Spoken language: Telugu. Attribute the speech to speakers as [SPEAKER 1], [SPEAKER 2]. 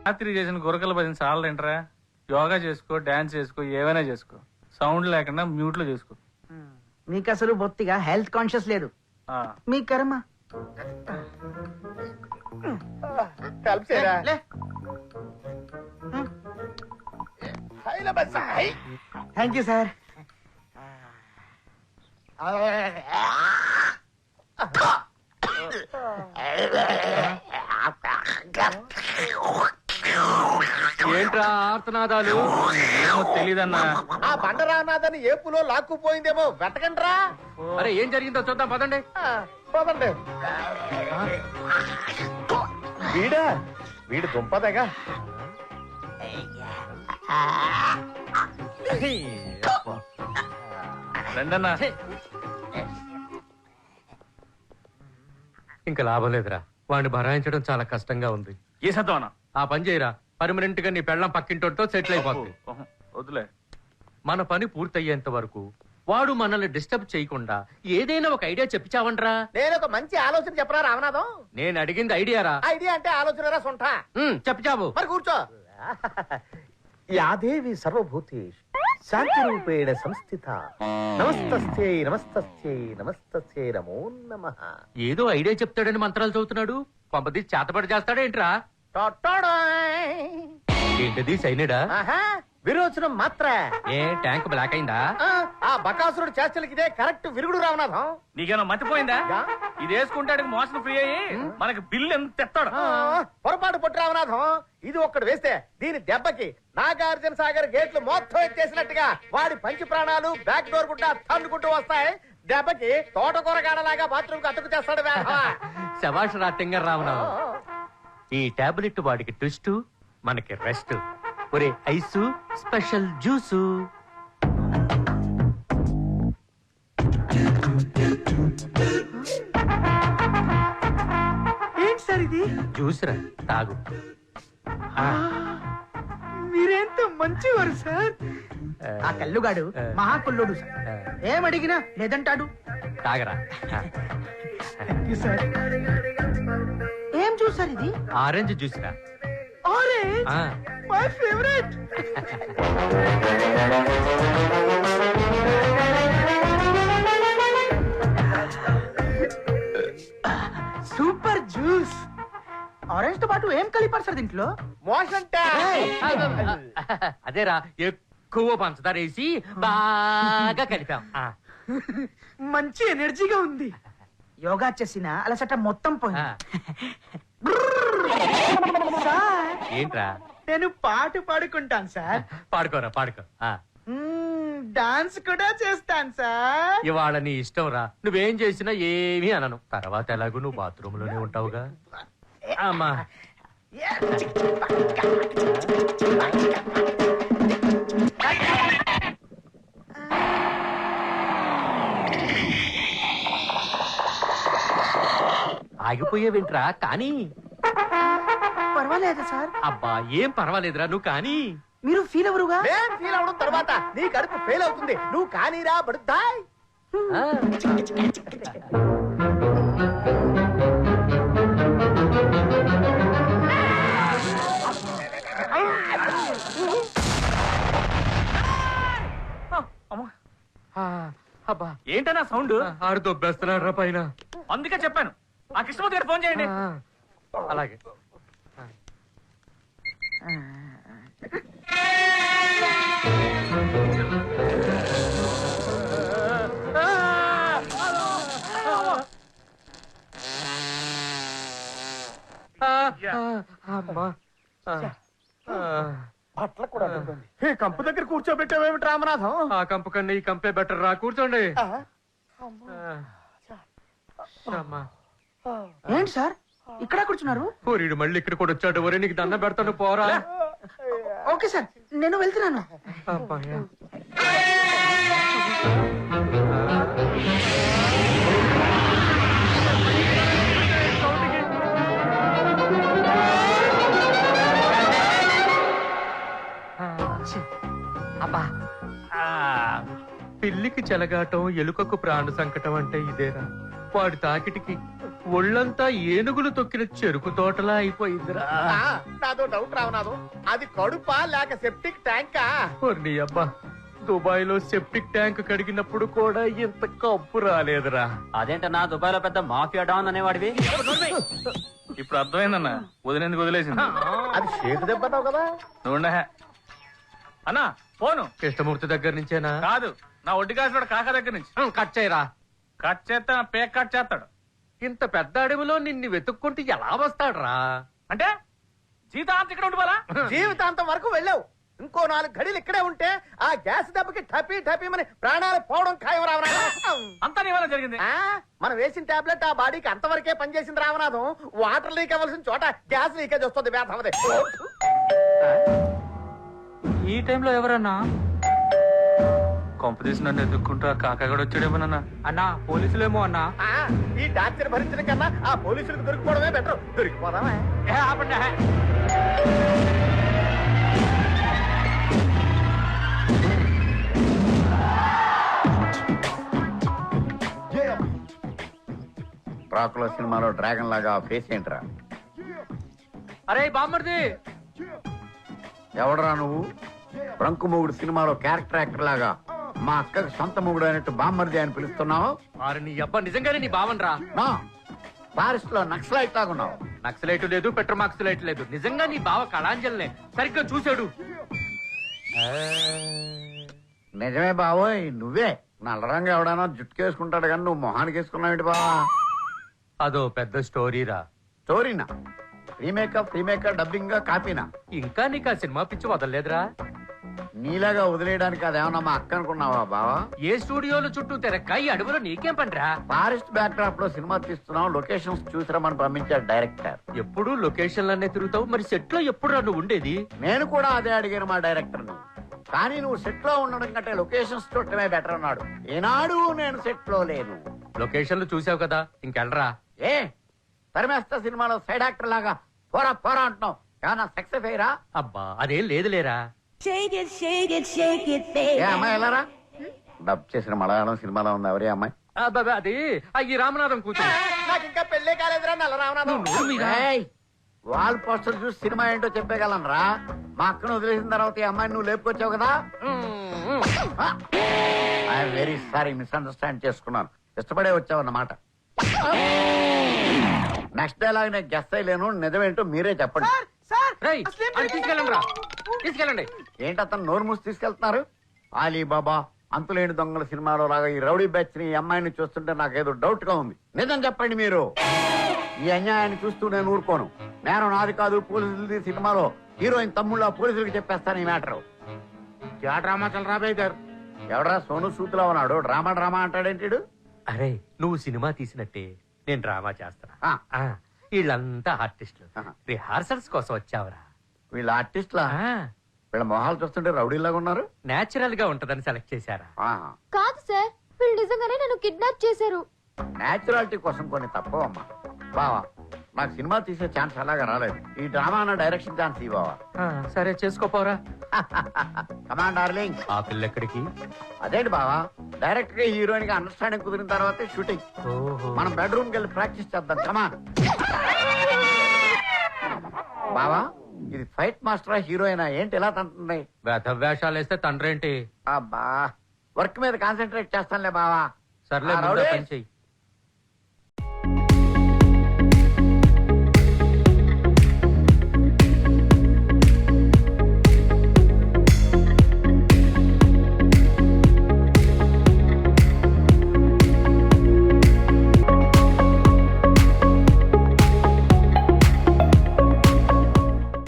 [SPEAKER 1] రాత్రి చేసిన గురకల భజన చాలంటరా. యోగా చేసుకో, డాన్స్ చేసుకో, ఏమైనా చేసుకో, సౌండ్ లేకుండా మ్యూట్ లో చేసుకో.
[SPEAKER 2] మీకు అసలు బొత్తిగా హెల్త్ కాన్షియస్ లేదు. మీ కర్మ. Thank you sir.
[SPEAKER 3] ఏంట్రా ఆర్తనాదాలు?
[SPEAKER 1] ఏమో తెలీదన్నా.
[SPEAKER 4] ఆ బండరానాథని ఏపులో లాక్కుపోయిందేమో వెతకండ్రా.
[SPEAKER 3] అరే ఏం జరిగిందో చూద్దాం పదండి.
[SPEAKER 4] పోదండి. వీడు దుంపదేగా.
[SPEAKER 1] రండన్నా.
[SPEAKER 3] ఇంకా లాభం లేదురా, వాడిని భరాయించడం చాలా కష్టంగా ఉంది.
[SPEAKER 1] ఏ సత్వనా?
[SPEAKER 3] ఆ పని చేయరా, పర్మనెంట్ గా నీ పెళ్ళం పక్కింటోతో సెటిల్ అయిపోతుంది.
[SPEAKER 1] వద్దులే.
[SPEAKER 3] మన పని పూర్తయ్యేంత వరకు వాడు మనల్ని డిస్టర్బ్ చేయకుండా ఏదైనా ఒక ఐడియా చెప్పిచావంట్రా.
[SPEAKER 4] నేను ఒక మంచి ఆలోచన చెప్పరా రామనాథం?
[SPEAKER 3] నేను అడిగింది ఐడియారా.
[SPEAKER 4] ఐడియా అంటే ఆలోచనరా సొంట.
[SPEAKER 3] చెప్పిచావు.
[SPEAKER 4] మరి కూర్చో. యాదేవి సర్వభూతేషు శాంతి రూపేణ సంస్థిత. నమస్తస్యై నమస్తస్యై నమస్తస్యై నమో నమః.
[SPEAKER 3] ఏదో ఐడియా చెప్తాడని మంత్రాలు చదువుతున్నాడు. పంపది చేతపడి చేస్తాడేంట్రా? ఏంటది సైనిడా?
[SPEAKER 4] విరోచనం మాత్ర.
[SPEAKER 3] ఏ ట్యాంక్ బ్లాక్ అయిందా?
[SPEAKER 4] ఆ బకాసురుడు చేష్టలకి ఇదే కరెక్ట్ విరుగుడు రామనాథం.
[SPEAKER 1] నీకేమో మతిపోయిందా? ఇది వేసుకుంటాడు మోషన్ ఫ్రీ అయ్యి మనకి బిల్లు ఎంత తెస్తాడు.
[SPEAKER 4] పొరపాటు పొట్టు రామనాథం. ఇది ఒక్కడు వేస్తే దీని దెబ్బకి నాగార్జున సాగర్ గేట్లు మొత్తం ఎత్తేసినట్టుగా వాడి పంచి ప్రాణాలు బ్యాక్ డోర్ గుడ్డ తన్నుకుంటూ వస్తాయి. దెబ్బకి తోటకూర గాడలాగా బాత్రూమ్ కు అతుకు చేస్తాడు.
[SPEAKER 3] శభాష్ రా తింగర్ రామనాథం. ఈ టాబ్లెట్ వాడికి ట్విస్ట్, మనకి రెస్ట్. ఒరే ఐసు స్పెషల్ జ్యూసు.
[SPEAKER 2] ఏంటి సార్ ఇది?
[SPEAKER 3] జ్యూస్ రా, తాగు.
[SPEAKER 2] మీరెంత మంచివారు సార్. ఆ కల్లుగాడు మహాకుల్లుడు సార్. ఏమడిగినా లేదంటాడు.
[SPEAKER 3] తాగరా.
[SPEAKER 2] ఏం చూసారు ఇది?
[SPEAKER 3] ఆరెంజ్ జ్యూస్ రా.
[SPEAKER 2] Orange my favourite. Super juice. Orange తో పాటు ఏం కలిపారు సార్ దీంట్లో?
[SPEAKER 4] మోషన్
[SPEAKER 3] అదేరా, ఎక్కువ పంచదార వేసి బాగా కలిపాం.
[SPEAKER 2] మంచి ఎనర్జీగా ఉంది. యోగా చేసిన అలసట మొత్తం పోయింది.
[SPEAKER 3] ఏంట్రా?
[SPEAKER 2] నేను పాట పాడుకుంటాను సార్.
[SPEAKER 3] పాడుకోరా, పాడుకో.
[SPEAKER 2] డాన్స్ కూడా చేస్తాను సార్.
[SPEAKER 3] ఇవాళ నీ ఇష్టం రా, నువ్వేం చేసినా ఏమీ అనను. తర్వాత ఎలాగో నువ్వు బాత్రూమ్ లోనే ఉంటావుగా. అమ్మా ఆగిపోయేవింట్రా కానీ.
[SPEAKER 2] పర్వాలేదు సార్.
[SPEAKER 3] అబ్బా ఏం పర్వాలేదురా, నువ్వు కానీ.
[SPEAKER 2] మీరు ఫీల్ ఎవరుగా?
[SPEAKER 4] నేను ఫీల్ అవడం తర్వాత నీ కడుపు ఫెయిల్ అవుతుంది. నువ్వు కానీరా బడుద్దాయ్.
[SPEAKER 3] అబ్బా
[SPEAKER 1] ఏంటన్నా సౌండ్?
[SPEAKER 3] ఆడు దొబ్బేస్తున్నాడు రా పైన.
[SPEAKER 1] అందుకే చెప్పాను ఆ కృష్ణమూర్తి గారు ఫోన్ చేయండి.
[SPEAKER 3] అలాగే.
[SPEAKER 4] అట్లా కూడా కంపు దగ్గర కూర్చోబెట్టావేమిటి రామనాథం?
[SPEAKER 3] ఆ కంపు కన్నా ఈ కంపే బెటర్ రా. కూర్చోండి.
[SPEAKER 2] ఏంటి సార్ ఇక్కడ కూర్చున్నారు?
[SPEAKER 3] ఓరీడు మళ్ళీ ఇక్కడ కూడా వచ్చాడు. ఒరే నీకు దండం పెడతాను పోరా.
[SPEAKER 2] ఓకే సార్, నేను వెళ్తున్నాను.
[SPEAKER 3] అబ్బా పిల్లికి చెలగాటం, ఎలుకకు ప్రాణ సంకటం అంటే ఇదేరా. వాడి తాకిటికి ఒళ్ళంతా ఏనుగులు తొక్కిన చెరుకు తోటలా అయిపోయిందిరా.
[SPEAKER 4] నాదో డౌట్ రావనాథం, అది కడుపా లేక సెప్టిక్ ట్యాంకా?
[SPEAKER 3] నీ అబ్బా, దుబాయ్ లో సెప్టిక్ ట్యాంక్ కడిగినప్పుడు కూడా ఇంత కప్పు రాలేదురా.
[SPEAKER 5] అదేంటన్నా దుబాయ్ లో పెద్ద మాఫియా డాన్ అనేవాడివి?
[SPEAKER 1] ఇప్పుడు అర్థమైందన్నా, వదిలేందుకు వదిలేసింది.
[SPEAKER 4] అది షేకు దెబ్బతావు కదా.
[SPEAKER 1] నువ్వు అన్నా ఫోను
[SPEAKER 3] కృష్ణమూర్తి దగ్గర నుంచేనా?
[SPEAKER 1] కాదు, నా ఒడ్డు కాసిన కాక దగ్గర నుంచి.
[SPEAKER 3] కట్ చేయరా.
[SPEAKER 1] కట్ చేస్తే నా పేక్ కట్ చేస్తాడు.
[SPEAKER 3] ఇంత పెద్ద అడవిలో నిన్ను వెతుక్కుంటూ ఎలా వస్తాడ్రా?
[SPEAKER 1] అంటే జీతాంత ఇక్కడ ఉండిపోలా?
[SPEAKER 4] జీవితాంతం వరకు వెళ్ళావు, ఇంకో 4 గడిలు ఇక్కడే ఉంటే ఆ గ్యాస్ దెబ్బకి టపీ టపీమని ప్రాణాలు పోవడం ఖాయం రావనాథం.
[SPEAKER 1] అంతా నీ వల్ల జరిగింది.
[SPEAKER 4] మనం వేసిన టాబ్లెట్ ఆ బాడీకి అంతవరకే పనిచేసింది రావనాథం. వాటర్ లీక్ అవ్వాల్సిన చోట గ్యాస్ లీకేజ్ వస్తుంది. వేధవది.
[SPEAKER 5] ఈ టైంలో ఎవరన్నా?
[SPEAKER 1] కొంప తీసి నన్ను ఎదుక్కుంటూ ఆ కాకా కూడా వచ్చాడేమోనన్నా.
[SPEAKER 5] అన్నా పోలీసులేమో అన్నా.
[SPEAKER 4] ఈ టార్చర్ భరించడం కన్నా ఆ పోలీసులకు దొరికిపోవడమే బెటర్. దొరికిపోదామా?
[SPEAKER 6] డ్రాకులా సినిమాలో డ్రాగన్ లాగా ఫేస్ ఏంట్రా?
[SPEAKER 3] అరే బామ్మర్ది,
[SPEAKER 6] ఎవడరా నువ్వు? బ్రంకు మొగుడు సినిమాలో క్యారెక్టర్ యాక్టర్ లాగా మా అక్కకి సొంత మొగుడు అయినట్టు బామ్మర్ది అని పిలుస్తున్నావు?
[SPEAKER 3] అరే నీ అబ్బా, నిజంగానే నీ బావన్రా.
[SPEAKER 6] నా ఫారెస్ట్ లో నక్సలైట్ లాగున్నావు.
[SPEAKER 3] నక్సలైట్ లేదు, పెట్రోమాక్సలైట్ లేదు. నిజంగా నీ బావ కళాంజలినే సరిగ్గా చూశాడు.
[SPEAKER 6] నిజమే బావోయ్, నువ్వే. నల్లరంగా ఎవడైనా జుట్టుకేసుకుంటాడు కానీ నువ్వు మొహానికి వేసుకున్నావు బావా?
[SPEAKER 3] అదో పెద్ద స్టోరీరా.
[SPEAKER 6] స్టోరీనా? Remake dubbing కాపీనా?
[SPEAKER 3] ఇంకా నీకు ఆ సినిమా పిచ్చి వదలలేదురా?
[SPEAKER 6] నీలాగా వదిలేయడానికి అదేమన్నా మా అక్క అనుకున్నావా బావా?
[SPEAKER 3] ఏ స్టూడియోలు చుట్టూ తిరక్క ఈ అడవిలో నీకేం పనిరా?
[SPEAKER 6] ఫారెస్ట్ బ్యాక్ డ్రాప్ లో సినిమా తీస్తున్నాం, లొకేషన్స్ చూసిరమని పంపించాడు డైరెక్టర్.
[SPEAKER 3] ఎప్పుడు లొకేషన్లనే తిరుగుతావు, మరి సెట్ లో ఎప్పుడు నువ్వు ఉండేది?
[SPEAKER 6] నేను కూడా అదే అడిగాను మా డైరెక్టర్ ని. కానీ నువ్వు సెట్ లో ఉండడం కంటే లొకేషన్స్ చూడటమే బెటర్ అన్నాడు. ఏనాడు నేను సెట్ లో లేను.
[SPEAKER 3] లొకేషన్లు చూసావు కదా, ఇంకెళ్ళరా.
[SPEAKER 6] ఏ తరిమేస్తా సినిమాలో సైడ్ యాక్టర్ లాగా పోరా పోరా అంటున్నావు. ఏమన్నా సక్సెస్ అయ్యరా?
[SPEAKER 3] అబ్బా అదేం లేదులేరా.
[SPEAKER 6] ఏ అమ్మాయి వెళ్ళారా? డబ్ చేసిన మలయాళం సినిమాలో ఉంది. ఎవరే అమ్మాయి?
[SPEAKER 3] అబ్బా అది ఈ రామనాథం కూర్చొని.
[SPEAKER 4] నాకు ఇంకా పెళ్ళే కాలేదురా నల్ల రామనాథం.
[SPEAKER 6] వాల్ పోస్టర్ చూసి సినిమా ఏంటో చెప్పగలను రా. మా అక్కను వదిలేసిన తర్వాత ఈ అమ్మాయిని నువ్వు లేపుకొచ్చావు కదా. ఐఎమ్ వెరీ సారీ, మిస్అండర్స్టాండ్ చేసుకున్నాను. ఇష్టపడే వచ్చావన్నమాట. నెక్స్ట్ డైలాగ్ నేను గెస్ట్ అయ్యలేను. నిజమేంటో మీరే చెప్పండి.
[SPEAKER 3] రేయ్, అది తీసుకెళ్ళండి రా, తీసుకెళ్ళండి.
[SPEAKER 6] ఏంటి అతను నోరు మూసి తీసుకెళ్తున్నారు? అలీబాబా అంతులేని దొంగల సినిమాలో లాగా ఈ రౌడీ బ్యాచ్ ని, ఈ అమ్మాయిని చూస్తుంటే నాకేదో డౌట్ గా ఉంది. నిజం చెప్పండి మీరు. ఈ అన్యాయాన్ని చూస్తూ నేను ఊరుకోను. నేను నాది కాదు పోలీసులది సినిమాలో హీరోయిన్ తమ్ముళ్ళ పోలీసులకు చెప్పేస్తాను ఈ మ్యాటర్. క్యా డ్రామా చల్ రా బేదర్? ఎవడరా సోను సూతులా ఉన్నాడు? డ్రామా అంటాడేంటి?
[SPEAKER 3] అరే నువ్వు సినిమా తీసినట్టే నేను డ్రామా చేస్తున్నా. వీళ్ళంతా ఆర్టిస్టులు. రిహార్సల్స్ కోసం వచ్చావురా.
[SPEAKER 6] వీళ్ళ ఆర్టిస్ట్లా? వీళ్ళ మొహాలు చూస్తుంటే రౌడీలాగా ఉన్నారు.
[SPEAKER 3] నేచురల్ గా ఉంటదని సెలెక్ట్ చేశారా?
[SPEAKER 7] కాదు సార్, వీళ్ళు నిజంగానే నన్ను కిడ్నాప్ చేశారు.
[SPEAKER 6] నేచురాలిటీ కోసం కొన్ని తప్పవమ్మా. బావా నాకు సినిమా తీసే ఛాన్స్ అలాగా రాలేదు. ఈ డ్రామా అన్న డైరెక్షన్ ఛాన్స్ ఇవ్వవా?
[SPEAKER 3] సరే చేసుకోపోరా.
[SPEAKER 6] Command darling.
[SPEAKER 3] ఆ పిల్ల ఎక్కడికి?
[SPEAKER 6] అదేంటి బావా, డైరెక్ట్ గా హీరోయిన్ గా అండర్స్టాండింగ్ కుదిరిన తర్వాతే షూటింగ్. మనం బెడ్రూమ్ కి వెళ్ళి ప్రాక్టీస్ చేద్దాం. కమాన్. బావా ఇది ఫైట్ మాస్టరా హీరోయినా ఏంటి ఎలా తంటుంది?
[SPEAKER 3] వేషాలు వేస్తే తండ్రేంటి?
[SPEAKER 6] అబ్బా వర్క్ మీద కాన్సన్ట్రేట్ చేస్తానులే బావా.
[SPEAKER 3] సర్లే
[SPEAKER 6] ఆ, రౌడీ.
[SPEAKER 3] పని చెయ్యి.